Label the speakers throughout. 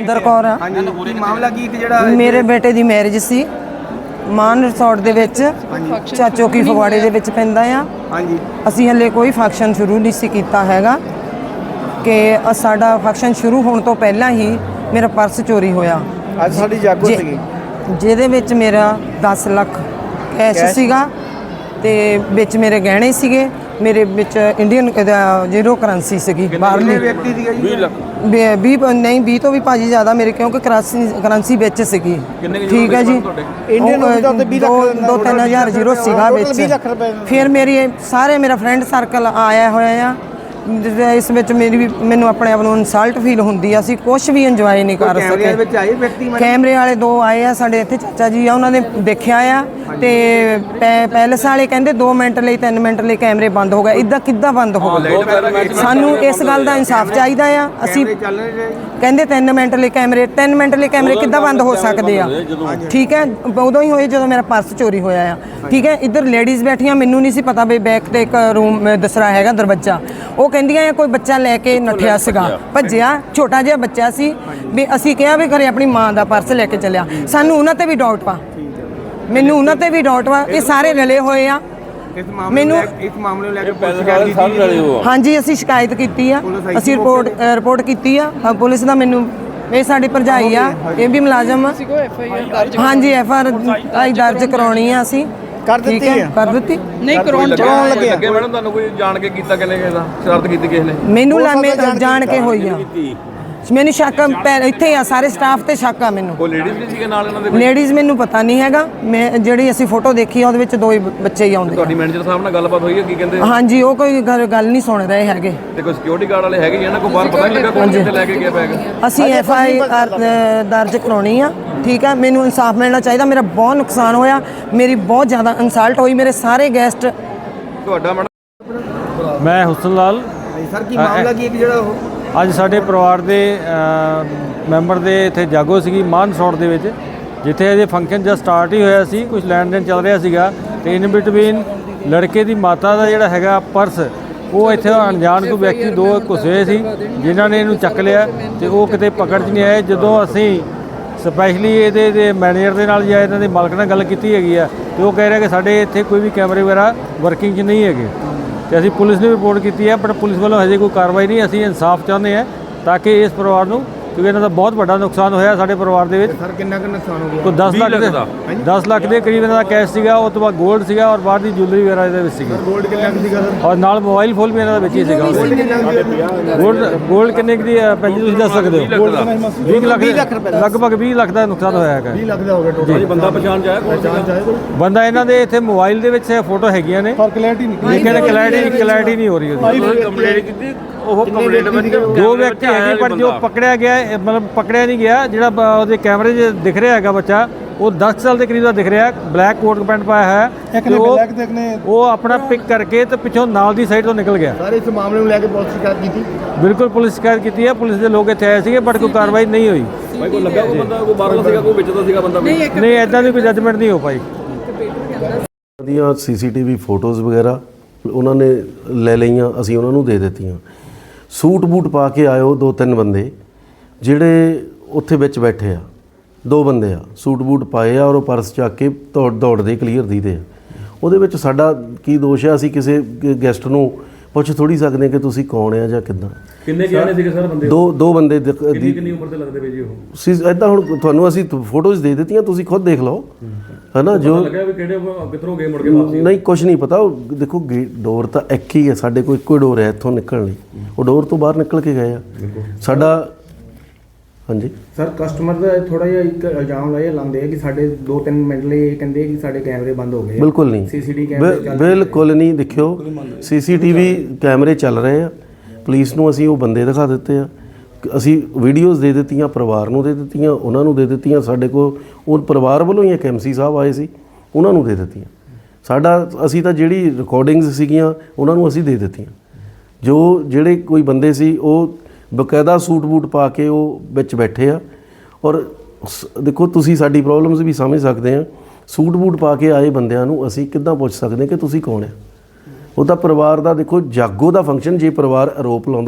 Speaker 1: ਹਰਜਿੰਦਰ ਕੌਰ ਆ।
Speaker 2: ਮਾਮਲਾ ਕੀ ਜਿਹੜਾ
Speaker 1: ਮੇਰੇ ਬੇਟੇ ਦੀ ਮੈਰਿਜ ਸੀ ਮਾਨ ਰਿਸੋਰਟ ਦੇ ਵਿੱਚ, ਚਾਚੋ ਕੀ ਫਗਵਾੜੇ ਦੇ ਵਿੱਚ ਪੈਂਦਾ ਆ।
Speaker 2: ਹਾਂਜੀ,
Speaker 1: ਅਸੀਂ ਹਲੇ ਕੋਈ ਫੰਕਸ਼ਨ ਸ਼ੁਰੂ ਨਹੀਂ ਸੀ ਕੀਤਾ ਹੈਗਾ ਕਿ ਸਾਡਾ ਫੰਕਸ਼ਨ ਸ਼ੁਰੂ ਹੋਣ ਤੋਂ ਪਹਿਲਾਂ ਹੀ ਮੇਰਾ ਪਰਸ ਚੋਰੀ ਹੋਇਆ।
Speaker 2: ਅੱਜ ਸਾਡੀ ਜਾਗੋ ਸੀਗੀ
Speaker 1: ਜਿਹਦੇ ਵਿੱਚ ਮੇਰਾ 10 ਲੱਖ ਕੈਸ਼ ਸੀਗਾ ਤੇ ਵਿੱਚ ਮੇਰੇ ਗਹਿਣੇ ਸੀਗੇ, ਮੇਰੇ ਵਿੱਚ ਇੰਡੀਅਨ ਜ਼ੀਰੋ ਕਰੰਸੀ ਸੀਗੀ ਬਾਹਰਲੀ।
Speaker 2: ਵਿਅਕਤੀ ਦੀ
Speaker 3: 20 ਲੱਖ
Speaker 1: 20 ਨਹੀਂ 20 ਤੋਂ ਵੀ ਭਾਜੀ ਜ਼ਿਆਦਾ ਮੇਰੇ, ਕਿਉਂਕਿ ਕਰੰਸੀ ਵਿੱਚ ਸੀਗੀ। ਠੀਕ ਹੈ ਜੀ,
Speaker 2: ਇੰਡੀਅਨ ਰੁਪਏ ਦਾ 20 ਲੱਖ
Speaker 1: 2-3000 ਜ਼ੀਰੋ ਸੀਗਾ ਵਿੱਚ। ਫਿਰ ਮੇਰਾ ਫਰੈਂਡ ਸਰਕਲ ਆਇਆ ਹੋਇਆ ਆ। ਇਸ ਵਿੱਚ ਮੈਨੂੰ ਆਪਣੇ ਆਪ ਨੂੰ ਇਨਸਲਟ ਫੀਲ ਹੁੰਦੀ ਆ। ਅਸੀਂ ਕੁਝ ਵੀ ਇੰਜੋਏ ਨਹੀਂ ਕਰ ਸਕੇ। ਕੈਮਰੇ ਵਾਲੇ 2 ਆਏ ਆ ਸਾਡੇ ਇੱਥੇ, ਚਾਚਾ ਜੀ ਆ, ਉਹਨਾਂ ਨੇ ਦੇਖਿਆ ਆ ਤੇ ਪੈਲਸ ਵਾਲੇ ਕਹਿੰਦੇ 2 ਮਿੰਟ ਲਈ 3 ਮਿੰਟ ਲਈ ਕੈਮਰੇ ਬੰਦ ਹੋ ਗਏ। ਇਦਾਂ ਕਿੱਦਾਂ ਬੰਦ ਹੋ ਗਏ? ਸਾਨੂੰ ਇਸ ਗੱਲ ਦਾ ਇਨਸਾਫ ਚਾਹੀਦਾ ਆ। ਅਸੀਂ ਕਹਿੰਦੇ 3 ਮਿੰਟ ਲਈ ਕੈਮਰੇ ਕਿੱਦਾਂ ਬੰਦ ਹੋ ਸਕਦੇ ਆ? ਠੀਕ ਹੈ, ਉਦੋਂ ਹੀ ਹੋਏ ਜਦੋਂ ਮੇਰਾ ਪਰਸ ਚੋਰੀ ਹੋਇਆ ਆ। ਠੀਕ ਹੈ, ਇੱਧਰ ਲੇਡੀਜ਼ ਬੈਠੀਆਂ, ਮੈਨੂੰ ਨਹੀਂ ਸੀ ਪਤਾ ਵੀ ਬੈਕ ਤੇ ਇੱਕ ਰੂਮ ਦੂਸਰਾ ਹੈਗਾ ਦਰਵਾਜ਼ਾ। ਉਹ ਕਹਿੰਦੀਆਂ ਕੋਈ ਬੱਚਾ ਲੈ ਕੇ ਨੱਠਿਆ ਸੀਗਾ, ਭੱਜਿਆ, ਛੋਟਾ ਜਿਹਾ ਬੱਚਾ ਸੀ। ਵੀ ਅਸੀਂ ਕਿਹਾ ਵੀ ਘਰੇ ਆਪਣੀ ਮਾਂ ਦਾ ਪਰਸ ਲੈ ਕੇ ਚੱਲਿਆ। ਸਾਨੂੰ ਉਹਨਾਂ ਤੇ ਵੀ ਡਾਊਟ ਵਾ, ਮੈਨੂੰ ਉਹਨਾਂ ਤੇ ਵੀ ਡਾਊਟ ਵਾ। ਇਹ ਸਾਰੇ ਰਲੇ ਹੋਏ ਆ। ਮੈਨੂੰ
Speaker 2: ਇਸ ਮਾਮਲੇ ਨੂੰ ਲੈ ਕੇ
Speaker 1: ਹਾਂਜੀ ਅਸੀਂ ਸ਼ਿਕਾਇਤ ਕੀਤੀ ਆ, ਅਸੀਂ ਰਿਪੋਰਟ ਕੀਤੀ ਆ ਪੁਲਿਸ ਦਾ। ਮੈਨੂੰ ਇਹ ਸਾਡੀ ਭਰਜਾਈ ਆ, ਇਹ ਵੀ ਮੁਲਾਜ਼ਮ ਆ। ਹਾਂਜੀ FIR ਦਰਜ ਕਰਾਉਣੀ ਆ ਅਸੀਂ।
Speaker 2: ਕਰ ਦਿੱਤੀ ਹੈ?
Speaker 1: ਕਰ ਦਿੱਤੀ
Speaker 3: ਨਹੀਂ ਕਰਾਉਣ ਲੱਗੇ ਮੈਡਮ। ਤੁਹਾਨੂੰ ਕੋਈ ਜਾਣ ਕੇ ਕੀਤਾ ਕਿਨੇ ਕਿਸੇ ਦਾ? ਸ਼ਰਾਰਤ ਕੀਤੀ ਕਿਸੇ ਨੇ?
Speaker 1: ਮੈਨੂੰ ਜਾਣ ਕੇ ਹੋਈ ਆ। ਮੈਨੂੰ ਸ਼ੱਕ ਇੱਥੇ ਆ, ਸਾਰੇ ਸਟਾਫ ਤੇ ਸ਼ੱਕ ਆ ਮੈਨੂੰ।
Speaker 3: ਉਹ ਲੇਡੀਜ਼ ਵੀ ਸੀਗੇ ਨਾਲ ਇਹਨਾਂ ਦੇ?
Speaker 1: ਲੇਡੀਜ਼ ਮੈਨੂੰ ਪਤਾ ਨਹੀਂ ਹੈਗਾ। ਮੈਂ ਜਿਹੜੀ ਅਸੀਂ ਫੋਟੋ ਦੇਖੀ ਆ ਉਹਦੇ ਵਿੱਚ 2 ਹੀ ਬੱਚੇ ਹੀ ਆਉਂਦੇ।
Speaker 3: ਤੁਹਾਡੀ ਮੈਨੇਜਰ ਸਾਹਿਬ ਨਾਲ ਗੱਲਬਾਤ ਹੋਈ ਹੈ? ਕੀ ਕਹਿੰਦੇ?
Speaker 1: ਹਾਂਜੀ, ਉਹ ਕੋਈ ਗੱਲ ਨਹੀਂ ਸੁਣ ਰਹੇ ਹੈਗੇ।
Speaker 3: ਤੇ ਕੋਈ ਸਿਕਿਉਰਿਟੀ ਗਾਰਡ ਵਾਲੇ ਹੈਗੇ ਇਹਨਾਂ ਕੋਲ? ਬਾਹਰ ਪਤਾ ਨਹੀਂ ਲੱਗਾ ਕੌਣ ਕਿੱਥੇ ਲੈ ਕੇ ਗਿਆ ਬੈਗ?
Speaker 1: ਅਸੀਂ FIR ਦਰਜ ਕਰਾਉਣੀ ਆ। ਠੀਕ ਹੈ, ਮੈਨੂੰ ਇਨਸਾਫ ਮਿਲਣਾ ਚਾਹੀਦਾ। ਮੇਰਾ ਬਹੁਤ ਨੁਕਸਾਨ ਹੋਇਆ, ਮੇਰੀ ਬਹੁਤ ਜ਼ਿਆਦਾ ਇਨਸਲਟ ਹੋਈ। ਮੇਰੇ ਸਾਰੇ ਗੈਸਟ।
Speaker 3: ਤੁਹਾਡਾ ਮੈਡਮ?
Speaker 4: ਮੈਂ ਹੁਸਨ ਲਾਲ।
Speaker 2: ਸਰ ਕੀ ਮਾਮਲਾ ਕੀ ਹੈ ਜਿਹੜਾ ਉਹ
Speaker 4: ਅੱਜ ਸਾਡੇ ਪਰਿਵਾਰ ਦੇ ਮੈਂਬਰ ਦੇ ਇੱਥੇ ਜਾਗੋ ਸੀਗੀ ਮਾਨ ਰਿਸੋਰਟ ਦੇ ਵਿੱਚ, ਜਿੱਥੇ ਅਜੇ ਫੰਕਸ਼ਨ ਜਸਟ ਸਟਾਰਟ ਹੀ ਹੋਇਆ ਸੀ। ਕੁਝ ਲੈਣ ਦੇਣ ਚੱਲ ਰਿਹਾ ਸੀਗਾ ਤੇ ਇਨ ਬਿਟਵੀਨ ਲੜਕੇ ਦੀ ਮਾਤਾ ਦਾ ਜਿਹੜਾ ਹੈਗਾ ਪਰਸ, ਉਹ ਇੱਥੇ ਅਣਜਾਣ ਕੋਈ ਵਿਅਕਤੀ 2 ਘੁਸੇ ਸੀ ਜਿਨ੍ਹਾਂ ਨੇ ਇਹਨੂੰ ਚੱਕ ਲਿਆ ਤੇ ਉਹ ਕਿਤੇ ਪਕੜ 'ਚ ਨਹੀਂ ਆਏ। ਜਦੋਂ ਅਸੀਂ ਸਪੈਸ਼ਲੀ ਇਹਦੇ ਮੈਨੇਜਰ ਦੇ ਨਾਲ ਜਾਂ ਇਹਨਾਂ ਦੇ ਮਾਲਕ ਨਾਲ ਗੱਲ ਕੀਤੀ ਹੈਗੀ ਆ ਤੇ ਉਹ ਕਹਿ ਰਿਹਾ ਕਿ ਸਾਡੇ ਇੱਥੇ ਕੋਈ ਵੀ ਕੈਮਰੇ ਵਗੈਰਾ ਵਰਕਿੰਗ 'ਚ ਨਹੀਂ ਹੈਗੇ। ਤੇ ਅਸੀਂ ਪੁਲਿਸ ਨੂੰ ਰਿਪੋਰਟ ਕੀਤੀ ਹੈ, ਪਰ ਪੁਲਿਸ ਵੱਲੋਂ ਹਜੇ ਕੋਈ ਕਾਰਵਾਈ ਨਹੀਂ। ਅਸੀਂ ਇਨਸਾਫ ਚਾਹੁੰਦੇ ਹਾਂ ਤਾਂ ਕਿ ਇਸ ਪਰਿਵਾਰ ਨੂੰ, ਕਿਉਂਕਿ ਇਹਨਾਂ ਦਾ ਬਹੁਤ ਵੱਡਾ ਨੁਕਸਾਨ ਹੋਇਆ ਸਾਡੇ ਪਰਿਵਾਰ ਦੇ ਵਿੱਚ।
Speaker 2: ਸਰ ਕਿੰਨਾ ਕੁ ਨੁਕਸਾਨ ਹੋ ਗਿਆ?
Speaker 4: ਕੋਈ 10 ਲੱਖ ਦੇ ਕਰੀਬ ਇਹਨਾਂ ਦਾ ਕੈਸ਼ ਸੀਗਾ, ਉਹ ਤੋਂ ਬਾਅਦ ਗੋਲਡ ਸੀਗਾ ਔਰ ਬਾਹਰ ਦੀ ਜੁਐਲਰੀ ਵਗੈਰਾ ਇਹਦੇ ਵਿੱਚ ਸੀਗੀ।
Speaker 2: ਗੋਲਡ ਕਿੰਨਾ ਕੁ ਸੀਗਾ ਸਰ?
Speaker 4: ਔਰ ਨਾਲ ਮੋਬਾਈਲ ਫੋਨ ਵੀ ਇਹਨਾਂ ਦਾ ਵਿੱਚ ਹੀ ਸੀਗਾ। ਗੋਲਡ ਕਿੰਨੇ ਦੀ ਭੈਣ ਜੀ ਤੁਸੀਂ ਦੱਸ ਸਕਦੇ ਹੋ? 20 ਲੱਖ ਲਗਭਗ 20 ਲੱਖ ਦਾ ਨੁਕਸਾਨ ਹੋਇਆ ਹੈਗਾ।
Speaker 2: 20 ਲੱਖ ਦਾ ਹੋ ਗਿਆ।
Speaker 3: ਬੰਦਾ ਪਛਾਣ ਜਾਇਆ ਕੌਣ?
Speaker 4: ਬੰਦਾ ਇਹਨਾਂ ਦੇ ਇੱਥੇ ਮੋਬਾਈਲ ਦੇ ਵਿੱਚ ਫੋਟੋ ਹੈਗੀਆਂ ਨੇ,
Speaker 2: ਪਰ ਕਲੈਰਿਟੀ ਨਹੀਂ
Speaker 4: ਕਲੈਰਿਟੀ ਨਹੀਂ ਹੋ ਰਹੀ ਉਹਦੀ।
Speaker 3: ਕੰਪਲੇਂਟ ਕੀਤੀ? ਉਹ ਕੰਪਲੇਂਟ ਵਿੱਚ
Speaker 4: 2 ਵਿਅਕਤੀ ਹੈਗੇ, ਪਰ ਜੋ ਪਕੜਿਆ ਗਿਆ ਮਤਲਬ ਪਕੜਿਆ ਨਹੀਂ ਗਿਆ। ਜਿਹੜਾ ਉਹਦੇ ਕੈਮਰੇ 'ਚ ਦਿਖ ਰਿਹਾ ਹੈਗਾ ਬੱਚਾ, ਉਹ 10 ਸਾਲ ਦੇ ਕਰੀਬ ਦਾ ਦਿਖ ਰਿਹਾ, ਬਲੈਕ ਕੋਟ ਪੈਂਟ ਪਾਇਆ ਹੈ। ਉਹ ਆਪਣਾ ਪਿਕ ਕਰਕੇ ਤੇ ਪਿੱਛੋਂ ਨਾਲ ਦੀ ਸਾਈਡ ਤੋਂ ਨਿਕਲ ਗਿਆ।
Speaker 2: ਸਾਰੇ ਇਸ ਮਾਮਲੇ ਨੂੰ ਲੈ ਕੇ ਪੁਲਿਸ ਸ਼ਿਕਾਇਤ ਕੀਤੀ?
Speaker 4: ਬਿਲਕੁਲ ਪੁਲਿਸ ਸ਼ਿਕਾਇਤ ਕੀਤੀ ਹੈ। ਪੁਲਿਸ ਦੇ ਲੋਕ ਇੱਥੇ ਆਏ ਸੀਗੇ, ਬਟ ਕੋਈ ਕਾਰਵਾਈ ਨਹੀਂ ਹੋਈ।
Speaker 3: ਭਾਈ ਕੋਈ ਲੱਗਾ ਕੋਈ ਬੰਦਾ, ਕੋਈ ਬਾਹਰਲਾ ਸੀਗਾ, ਕੋਈ ਵਿੱਚ ਦਾ ਸੀਗਾ ਬੰਦਾ?
Speaker 4: ਨਹੀਂ, ਐਦਾਂ ਦੀ ਕੋਈ ਜੱਜਮੈਂਟ ਨਹੀਂ ਹੋ ਪਾਈ।
Speaker 5: ਦੀਆਂ CCTV ਫੋਟੋਜ਼ ਵਗੈਰਾ ਉਹਨਾਂ ਨੇ ਲੈ ਲਈਆਂ, ਅਸੀਂ ਉਹਨਾਂ ਨੂੰ ਦੇ ਦਿੱਤੀਆਂ। ਸੂਟ ਬੂਟ ਪਾ ਕੇ ਆਇਓ 2-3 ਬੰਦੇ ਜਿਹੜੇ ਉੱਥੇ ਵਿੱਚ ਬੈਠੇ ਆ, 2 ਬੰਦੇ ਆ, ਸੂਟ ਬੂਟ ਪਾਏ ਆ ਔਰ ਉਹ ਪਰਸ ਚੱਕ ਕੇ ਦੌੜਦੇ ਕਲੀਅਰ ਦੀਦੇ ਆ। ਉਹਦੇ ਵਿੱਚ ਸਾਡਾ ਕੀ ਦੋਸ਼ ਆ? ਅਸੀਂ ਕਿਸੇ ਗੈਸਟ ਨੂੰ ਪੁੱਛ ਥੋੜੀ ਸਕਦੇ ਕਿ ਤੁਸੀਂ ਕੌਣ ਆ ਜਾਂ ਕਿੱਦਾਂ।
Speaker 3: ਕਿੰਨੇ ਜਾਣੇ ਸੀਗੇ ਸਰ ਬੰਦੇ?
Speaker 5: 2 ਬੰਦੇ।
Speaker 3: ਕਿੰਨੀ ਉਮਰ ਦੇ ਲੱਗਦੇ ਪਏ ਜੀ ਉਹ?
Speaker 5: ਸੀ ਇੱਦਾਂ ਹੁਣ ਤੁਹਾਨੂੰ ਅਸੀਂ ਫੋਟੋਜ਼ ਦੇ ਦਿੱਤੀਆਂ, ਤੁਸੀਂ ਖੁਦ ਦੇਖ ਲਓ ਹੈ ਨਾ। ਜੋ
Speaker 3: ਲੱਗਿਆ ਵੀ ਕਿਹੜੇ ਕਿੱਧਰੋਂ ਗਏ ਮੁੜ ਕੇ ਵਾਪਸ?
Speaker 5: ਨਹੀਂ, ਕੁਝ ਨਹੀਂ ਪਤਾ। ਉਹ ਦੇਖੋ ਡੋਰ ਤਾਂ ਇੱਕ ਹੀ ਹੈ ਸਾਡੇ ਕੋਲ, ਇੱਕੋ ਡੋਰ ਹੈ ਇੱਥੋਂ ਨਿਕਲਣ ਲਈ। ਉਹ ਡੋਰ ਤੋਂ ਬਾਹਰ ਨਿਕਲ ਕੇ ਗਏ ਆ ਸਾਡਾ। ਹਾਂਜੀ
Speaker 2: ਸਰ ਕਸਟਮਰ ਦਾ ਥੋੜਾ ਜਿਹਾ ਇੱਕ ਇਲਜ਼ਾਮ ਲਾਉਂਦੇ ਆ ਕਿ ਸਾਡੇ 2-3 ਮਿੰਟ ਲਈ ਇਹ ਕਹਿੰਦੇ ਕਿ ਸਾਡੇ ਕੈਮਰੇ ਬੰਦ ਹੋ ਗਏ।
Speaker 5: ਬਿਲਕੁਲ ਨਹੀਂ, ਬਿਲਕੁਲ ਨਹੀਂ। ਦੇਖਿਓ CCTV ਕੈਮਰੇ ਚੱਲ ਰਹੇ ਆ। ਪੁਲਿਸ ਨੂੰ ਅਸੀਂ ਉਹ ਬੰਦੇ ਦਿਖਾ ਦਿੱਤੇ ਆ, ਅਸੀਂ ਵੀਡੀਓਜ਼ ਦੇ ਦਿੱਤੀਆਂ, ਪਰਿਵਾਰ ਨੂੰ ਦੇ ਦਿੱਤੀਆਂ, ਉਹਨਾਂ ਨੂੰ ਦੇ ਦਿੱਤੀਆਂ। ਸਾਡੇ ਕੋਲ ਉਹ ਪਰਿਵਾਰ ਵੱਲੋਂ ਹੀ ਇੱਕ MC ਸਾਹਿਬ ਆਏ ਸੀ, ਉਹਨਾਂ ਨੂੰ ਦੇ ਦਿੱਤੀਆਂ। ਅਸੀਂ ਤਾਂ ਜਿਹੜੀ ਰਿਕਾਰਡਿੰਗਸ ਸੀਗੀਆਂ ਉਹਨਾਂ ਨੂੰ ਅਸੀਂ ਦੇ ਦਿੱਤੀਆਂ। ਜਿਹੜੇ ਕੋਈ ਬੰਦੇ ਸੀ ਉਹ ਬਕਾਇਦਾ ਸੂਟ ਬੂਟ ਪਾ ਕੇ ਉਹ ਵਿੱਚ ਬੈਠੇ ਆ। ਔਰ ਦੇਖੋ ਤੁਸੀਂ ਸਾਡੀ ਪ੍ਰੋਬਲਮਸ ਵੀ ਸਮਝ ਸਕਦੇ ਆ। ਸੂਟ ਬੂਟ ਪਾ ਕੇ ਆਏ ਬੰਦਿਆਂ ਨੂੰ ਅਸੀਂ ਕਿੱਦਾਂ ਪੁੱਛ ਸਕਦੇ ਕਿ ਤੁਸੀਂ ਕੌਣ ਆ? ਉਹ ਤਾਂ ਪਰਿਵਾਰ ਦਾ, ਦੇਖੋ ਜਾਗੋ ਦਾ ਫੰਕਸ਼ਨ, ਜੇ ਪਰਿਵਾਰ ਆਰੋਪ ਲਾਉਂਦਾ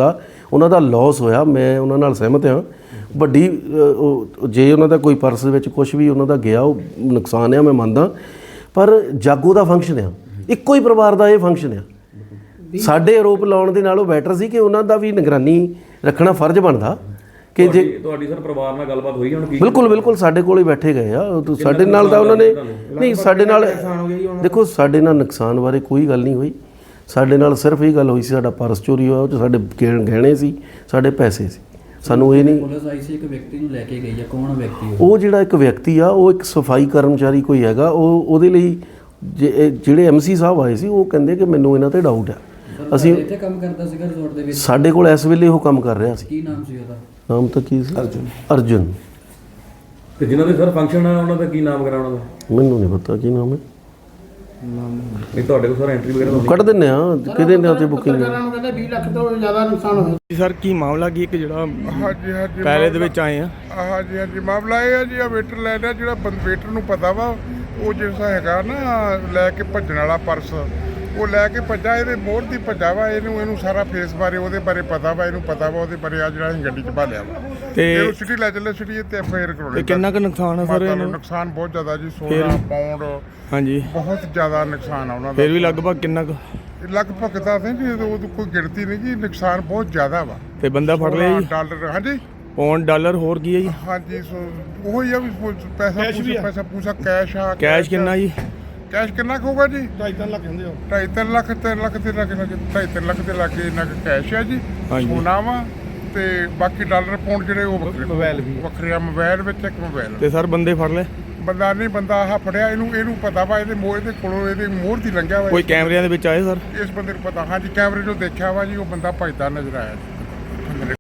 Speaker 5: ਉਹਨਾਂ ਦਾ ਲਾਸ ਹੋਇਆ, ਮੈਂ ਉਹਨਾਂ ਨਾਲ ਸਹਿਮਤ ਹਾਂ। ਵੱਡੀ ਜੇ ਉਹਨਾਂ ਦਾ ਕੋਈ ਪਰਸ ਵਿੱਚ ਕੁਝ ਵੀ ਉਹਨਾਂ ਦਾ ਗਿਆ ਉਹ ਨੁਕਸਾਨ ਆ, ਮੈਂ ਮੰਨਦਾ, ਪਰ ਜਾਗੋ ਦਾ ਫੰਕਸ਼ਨ ਆ, ਇੱਕੋ ਹੀ ਪਰਿਵਾਰ ਦਾ ਇਹ ਫੰਕਸ਼ਨ ਆ। ਸਾਡੇ ਆਰੋਪ ਲਾਉਣ ਦੇ ਨਾਲੋਂ ਬੈਟਰ ਸੀ ਕਿ ਉਹਨਾਂ ਦਾ ਵੀ ਨਿਗਰਾਨੀ ਰੱਖਣਾ ਫਰਜ਼ ਬਣਦਾ ਕਿ ਜੇ
Speaker 3: ਤੁਹਾਡੀ ਸਰ ਪਰਿਵਾਰ ਨਾਲ ਗੱਲਬਾਤ ਹੋਈ ਹੁਣ ਕੀ?
Speaker 5: ਬਿਲਕੁਲ ਸਾਡੇ ਕੋਲ ਹੀ ਬੈਠੇ ਗਏ ਆ। ਸਾਡੇ ਨਾਲ ਤਾਂ ਉਹਨਾਂ ਨੇ ਨਹੀਂ, ਸਾਡੇ ਨਾਲ ਦੇਖੋ, ਸਾਡੇ ਨਾਲ ਨੁਕਸਾਨ ਬਾਰੇ ਕੋਈ ਗੱਲ ਨਹੀਂ ਹੋਈ। ਸਾਡੇ ਨਾਲ ਸਿਰਫ ਇਹ ਗੱਲ ਹੋਈ ਸੀ, ਸਾਡਾ ਪਰਸ ਚੋਰੀ ਹੋਇਆ, ਉਹ 'ਚ ਸਾਡੇ ਗਹਿਣੇ ਸੀ, ਸਾਡੇ ਪੈਸੇ ਸੀ। ਸਾਨੂੰ ਇਹ ਨਹੀਂ,
Speaker 6: ਪੁਲਿਸ ਆਈ ਸੀ ਇੱਕ ਵਿਅਕਤੀ ਨੂੰ ਲੈ ਕੇ ਗਈ ਹੈ, ਕੌਣ ਵਿਅਕਤੀ
Speaker 5: ਉਹ ਜਿਹੜਾ ਇੱਕ ਵਿਅਕਤੀ ਆ ਉਹ ਇੱਕ ਸਫਾਈ ਕਰਮਚਾਰੀ ਕੋਈ ਹੈਗਾ, ਉਹਦੇ ਲਈ ਜਿਹੜੇ ਐਮਸੀ ਸਾਹਿਬ ਆਏ ਸੀ ਉਹ ਕਹਿੰਦੇ ਕਿ ਮੈਨੂੰ ਇਹਨਾਂ ਤੇ ਡਾਊਟ ਆ। ਅਸੀਂ
Speaker 6: ਇੱਥੇ ਕੰਮ ਕਰਦਾ ਸੀਗਾ ਰਿਜ਼ੋਰਟ ਦੇ ਵਿੱਚ?
Speaker 5: ਸਾਡੇ ਕੋਲ ਇਸ ਵੇਲੇ ਉਹ ਕੰਮ ਕਰ ਰਿਹਾ ਸੀ।
Speaker 6: ਕੀ ਨਾਮ ਸੀ ਉਹਦਾ?
Speaker 5: ਨਾਮ ਤਾਂ ਕੀ ਸੀ? ਅਰਜੁਨ।
Speaker 3: ਤੇ ਜਿਨ੍ਹਾਂ ਦੇ ਸਰ ਫੰਕਸ਼ਨ ਆ ਉਹਨਾਂ ਦਾ ਕੀ ਨਾਮ ਕਰਾਉਣਾ ਦਾ?
Speaker 5: ਮੈਨੂੰ ਨਹੀਂ ਪਤਾ ਕੀ ਨਾਮ ਹੈ।
Speaker 3: ਨਹੀਂ ਤੁਹਾਡੇ ਕੋਲ ਸਰ ਐਂਟਰੀ ਵਗੈਰਾ
Speaker 5: ਕੱਢ ਦਿੰਦੇ ਆ, ਕਿਹਦੇ ਨਾਂ ਤੇ ਬੁਕਿੰਗ ਹੈ?
Speaker 2: ਕਹਿੰਦੇ 20 ਲੱਖ ਤੋਂ ਜ਼ਿਆਦਾ ਨੁਕਸਾਨ ਹੋਇਆ
Speaker 7: ਸਰ। ਕੀ ਮਾਮਲਾ ਕੀ ਇੱਕ ਜਿਹੜਾ
Speaker 8: ਹਾਂਜੀ
Speaker 7: ਪਹਿਲੇ ਦੇ ਵਿੱਚ ਆਏ ਆ?
Speaker 8: ਹਾਂਜੀ ਮਾਮਲਾ ਇਹ ਹੈ ਜੀ, ਆ ਵੇਟਰ ਲੈ ਲਿਆ, ਜਿਹੜਾ ਵੇਟਰ ਨੂੰ ਪਤਾ ਵਾ ਉਹ ਜਿਹੜਾ ਹੈਗਾ ਨਾ ਲੈ ਕੇ ਭੱਜਣ ਵਾਲਾ ਪਰਸ, ਉਹ ਲੈ ਕੇ ਭੱਜਾ, ਇਹਦੇ ਮੋਹਰ ਦੀ ਭੱਜਾ ਵਾ, ਇਹਨੂੰ ਸਾਰਾ ਫੇਸ ਬਾਰੇ ਉਹਦੇ ਬਾਰੇ ਪਤਾ ਵਾ, ਇਹਨੂੰ ਪਤਾ ਵਾ ਉਹਦੇ ਬਾਰੇ, ਆ ਜਿਹੜਾ ਅਸੀਂ ਗੱਡੀ 'ਚ ਭਾਲਿਆ ਵਾ ਤੇ ਉਹ ਸਿਟੀ ਲੈ ਚੱਲੇ, ਸਿਟੀ ਤੇ ਫੇਰ ਕਰਾਉਣੇ।
Speaker 7: ਕਿੰਨਾ ਕੁ ਨੁਕਸਾਨ ਹੈ ਸਰ ਇਹਨੂੰ?
Speaker 8: ਨੁਕਸਾਨ ਬਹੁਤ ਜ਼ਿਆਦਾ ਜੀ, 16 ਪਾਉਂਡ
Speaker 7: ਹਾਂਜੀ,
Speaker 8: ਬਹੁਤ ਜ਼ਿਆਦਾ ਨੁਕਸਾਨ ਆ ਉਹਨਾਂ ਦਾ।
Speaker 7: ਫਿਰ ਵੀ ਲਗਭਗ ਕਿੰਨਾ ਕੁ?
Speaker 8: ਲਗਭਗ ਤਾਂ ਜੀ ਉਹ ਕੋਈ ਗਿਣਤੀ ਨਹੀਂ ਜੀ, ਨੁਕਸਾਨ ਬਹੁਤ ਜ਼ਿਆਦਾ ਵਾ।
Speaker 7: ਤੇ ਬੰਦਾ ਫੜ ਲਿਆ ਜੀ?
Speaker 8: ਡਾਲਰ, ਹਾਂਜੀ
Speaker 7: ਪੌਂਡ ਡਾਲਰ ਹੋਰ ਕੀ ਹੈ ਜੀ?
Speaker 8: ਹਾਂਜੀ, ਉਹ ਹੀ ਆ ਵੀ ਪੈਸਾ ਪੂਸਾ ਕੈਸ਼ ਆ।
Speaker 7: ਕੈਸ਼ ਕਿੰਨਾ ਜੀ?
Speaker 8: ਕੈਸ਼ ਕਿੰਨਾ ਕੁ ਹੋਊਗਾ ਜੀ? 2.5 ਲੱਖ ਹੁੰਦੇ ਹੋ। 2.5 ਲੱਖ 3 ਲੱਖ ਦੇ ਲੱਗੇ 2.5 ਲੱਖ ਦੇ ਲੱਗੇ ਇੰਨਾ ਕੁ ਕੈਸ਼ ਆ ਜੀ। ਸੋਨਾ ਵਾ ਤੇ ਬਾਕੀ ਡਾਲਰ ਪਾਉਂਡ ਜਿਹੜੇ ਉਹ ਮੋਬਾਈਲ ਵੀ ਵੱਖਰੇ ਆ। ਮੋਬਾਈਲ ਵਿੱਚ ਇੱਕ ਮੋਬਾਈਲ।
Speaker 7: ਤੇ ਸਰ ਬੰਦੇ ਫੜ ਲਏ?
Speaker 8: ਬੰਦਾ ਨਹੀਂ, ਬੰਦਾ ਆਹ ਫੜਿਆ, ਇਹਨੂੰ ਪਤਾ ਵਾ, ਇਹਦੇ ਕੋਲੋਂ ਇਹਦੇ ਮੋਹਰ ਦੀ ਲੰਘਿਆ ਵਾ।
Speaker 7: ਕੋਈ ਕੈਮਰਿਆਂ ਦੇ ਵਿੱਚ ਆਏ ਸਰ?
Speaker 8: ਇਸ ਬੰਦੇ ਨੂੰ ਪਤਾ, ਹਾਂਜੀ ਕੈਮਰੇ 'ਚੋਂ ਦੇਖਿਆ ਵਾ ਜੀ, ਉਹ ਬੰਦਾ ਭੱਜਦਾ ਨਜ਼ਰ ਆਇਆ ਜੀ।